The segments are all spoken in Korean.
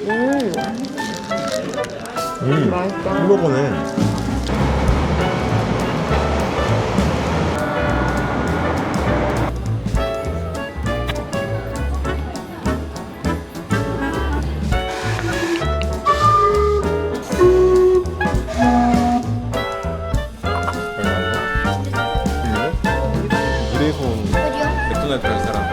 맛있다. 햄버거네. 그래서 맥도날드 갈 사람.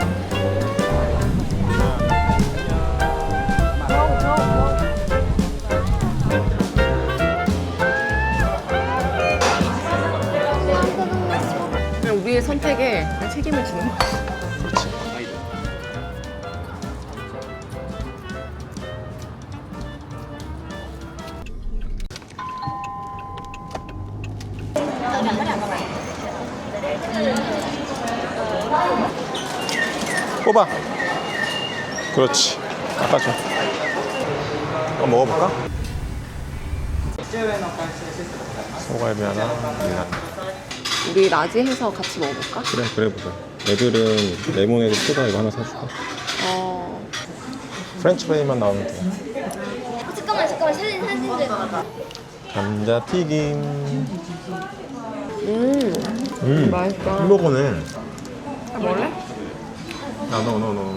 그냥 우리의 선택에 그냥 책임을 지는 거야. 그렇지. 뽑아. 그렇지. 깎아줘. 한번 먹어볼까? 소갈비 하나, 밀라. 우리 라지 해서 같이 먹어볼까? 그래 보자. 애들은 레모네이드 소다 이거 하나 사줄까? 프렌치 프라이만 나오면 돼. 잠깐만 사진 감자튀김. 맛있다. 햄버거네. 먹을래? 너.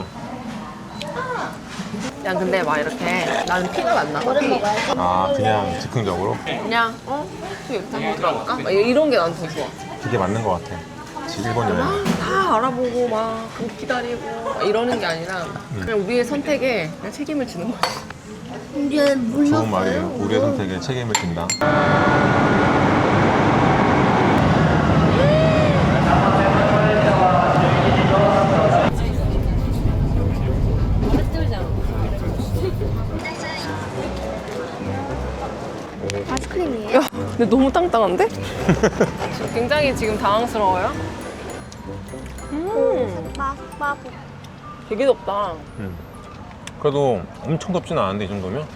그냥 근데 막 이렇게 나는 피가 안 나거든. 아, 그냥 즉흥적으로? 그냥 또 이렇게 한번 들어볼까? 막 이런 게 난 더 좋아. 그게 맞는 것 같아. 지금 일본 여행. 다 알아보고 막 기다리고 막 이러는 게 아니라 그냥 우리의 선택에 그냥 책임을 지는 거지. 이제 물렸어요. 좋은 말이에요. 우리의 선택에 책임을 진다. 아이스크림이에요? 야, 근데 너무 땅땅한데? 굉장히 지금 당황스러워요. 막 되게 덥다. 그래도 엄청 덥진 않은데 이 정도면?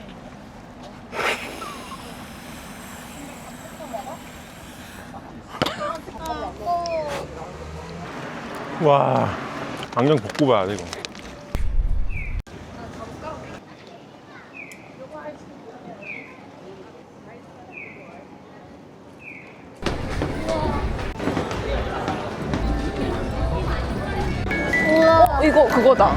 와, 안경 벗고 봐야 돼 이거. 이거 그거다.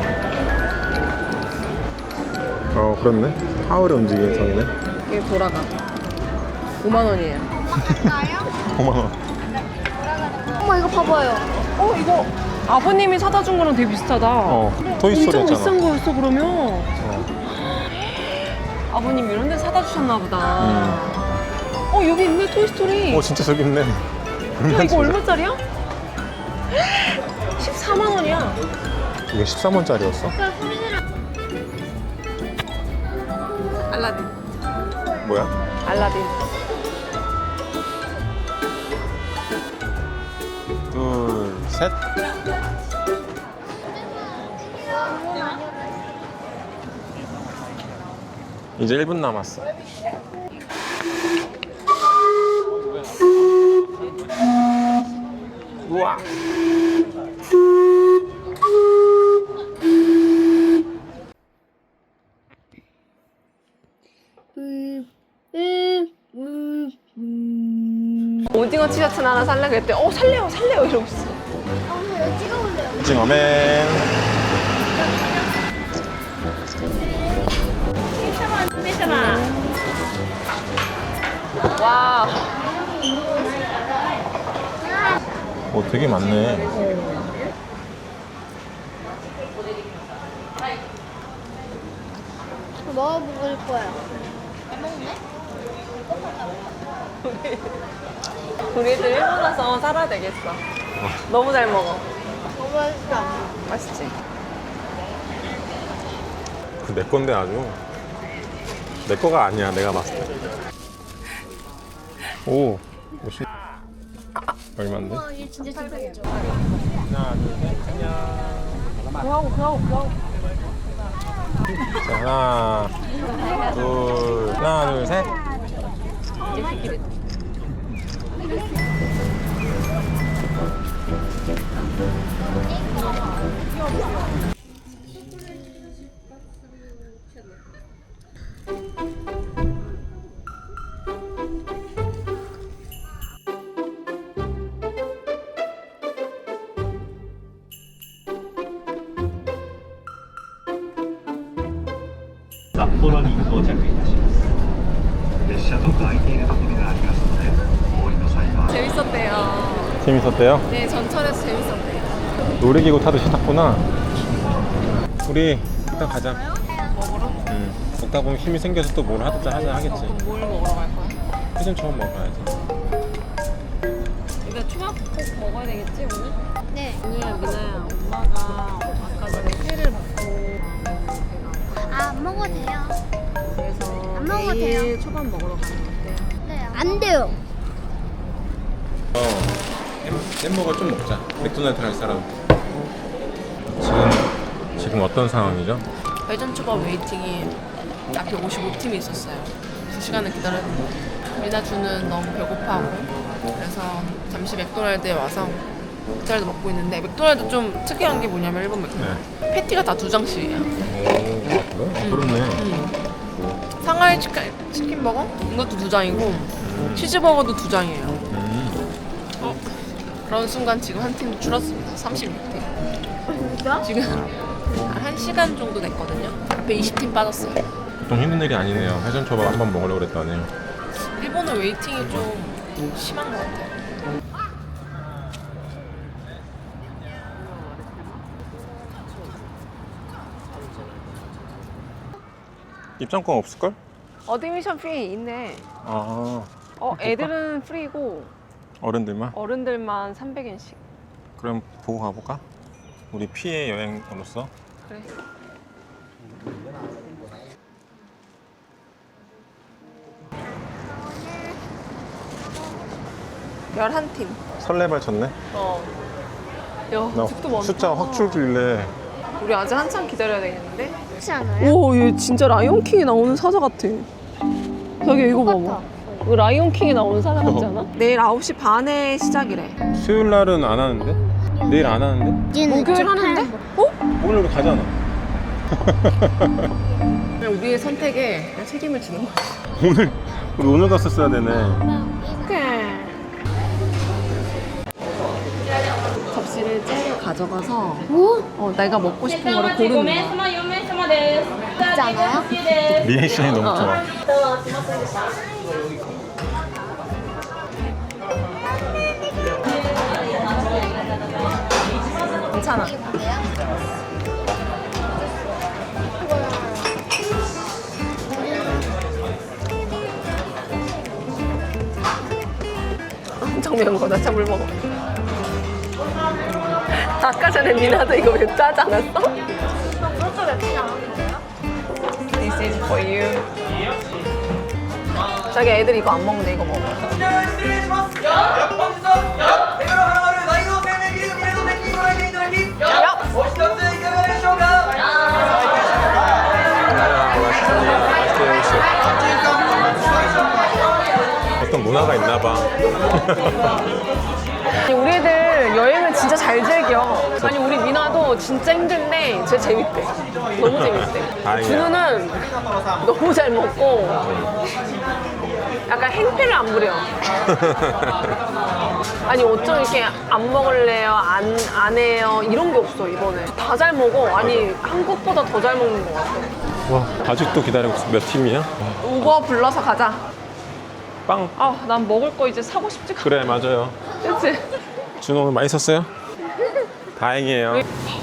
그렇네. 하울의 움직이는 성이네. 이게 돌아가. 5만 원이에요. 5만 원. 어머 이거 봐봐요. 이거 아버님이 사다 준 거랑 되게 비슷하다. 토이스토리 엄청 했잖아. 비싼 거였어 그러면. 아버님 이런 데 사다 주셨나 보다. 여기 있네 토이스토리. 진짜 저기 있네. 야, 이거 얼마짜리야? 14만 원이야. 이게 13원짜리였어? 알라딘. 뭐야? 알라딘. 둘, 셋. 이제 1분 남았어. 우와. 오징어 티셔츠 하나 살래 그랬대. 살래요 이러고 있어. 이거 찍어볼래요. 오징어맨. 와. 되게 많네. 먹어볼 거야. 우리들 일본 와서 살아야 되겠어. 너무 잘 먹어. 너무 맛있다. 맛있지? 내 건데 아주. 내 거가 아니야, 내가 봤을 때. 오, 50. 얼마인데? 이게 진짜 진짜겠죠. 하나, 둘, 셋, 안녕. 그하고. 자, 하나, 둘, 셋. 札幌に到着いたします列車どこ空いているところがありますのでお降りの際は 재밌었대요. 재밌었대요? 네, 전철에서 재밌었대요. 놀이기구 타듯이 탔구나. 우리 일단 가자. 먹으러? 응. 먹다 보면 힘이 생겨서 또 뭘 하자 하겠지. 그럼 뭘 먹으러 갈 거야? 회전 처음 먹어야지. 이거 초밥 꼭 먹어야 되겠지 오늘? 네. 오늘 미나야 엄마가 아까 전에 회를 먹고 아, 안 먹어도 돼요. 그래서 안 먹어도 내일 돼요. 초밥 먹으러 가는 건데 네. 안 돼요. 햄버거 좀 먹자. 맥도날드 갈 사람. 지금 어떤 상황이죠? 회전 초밥 웨이팅이 앞에 55팀이 있었어요. 2시간을 기다렸는데 미나주는 너무 배고파하고 그래서 잠시 맥도날드에 와서 맥도날드 먹고 있는데 맥도날드 좀 특이한 게 뭐냐면 일본 맥도날드 패티가 다 2장씩이에요. 오, 그래? 그렇네. 상하이 치킨 버거? 이것도 2장이고 치즈버거도 2장이에요. 그런 순간 지금 한 팀 줄었습니다. 36팀. 진짜? 지금 한 1시간 정도 됐거든요. 앞에 20팀 빠졌어요. 보통 힘든 일이 아니네요. 회전 초밥 한번 먹으려고 그랬더니. 일본은 웨이팅이 좀 심한 것 같아요. 입장권 없을걸? 어드미션 피 있네. 아, 애들은 프리고 어른들만? 어른들만 300엔씩. 그럼 보고 가볼까? 우리 피해 여행으로서. 그래. 열한 팀. 설레발 쳤네. 야, 나 집도 많다. 숫자 확 줄길래. 우리 아직 한참 기다려야 되겠는데? 그렇지 않아요? 오, 얘 진짜 라이온킹에 나오는 사자 같아. 자기 이거 똑같아. 봐봐. 이거 라이온킹에 나오는 사자 같지 않아? 내일 9시 반에 시작이래. 수요일 날은 안 하는데? 내일 안 하는데? 목요일 하는데? 오늘 우리 가잖아. 그냥 우리의 선택에 그냥 책임을 지는 거야. 우리 오늘 갔었어야 되네. 접시를 째려 가져가서 오? 내가 먹고 싶은 거를 고르는 거야. じゃない 리액션이 너무 좋아. 괜찮아. 엄청 매운 거다. 참 물 먹어. 아까 전에 미나도 이거 왜 짜지 않았어? 그것도 맵지 않은 거예요? This is for you. 자기 애들 이거 안 먹는데 이거 먹어. 失礼します。本日は手頃花丸大王生命ギルミルド的にご来店いただき、お一ついかがでしょうか。 어떤 문화가 있나 봐. 우리 애들 여행을 진짜 잘 즐겨. 아니 우리 미나도 진짜 힘든데 진짜 재밌대. 너무 재밌대. 다행이야. 준우는 너무 잘 먹고 약간 행패를 안 부려. 아니 어쩜 이렇게 안 먹을래요? 안 해요? 이런 게 없어 이번에. 다 잘 먹어. 아니 한국보다 더 잘 먹는 것 같아. 와, 아직도 기다리고 있어. 몇 팀이야? 우버 불러서 가자. 빵. 아, 난 먹을 거 이제 사고 싶지. 그래, 맞아요. 그치? 준호 오늘 맛있었어요? 다행이에요.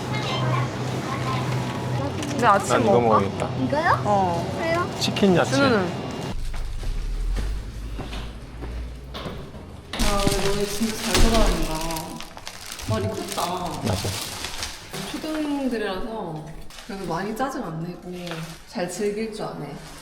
근데 아침 난 이거 먹을까? 먹어야겠다. 이거요? 왜요? 치킨 야채. 준우는? 아, 너네 진짜 잘 돌아다닌다. 많이 컸다. 맞아. 초등들이라서 그래도 많이 짜증 안 내고 잘 즐길 줄 아네.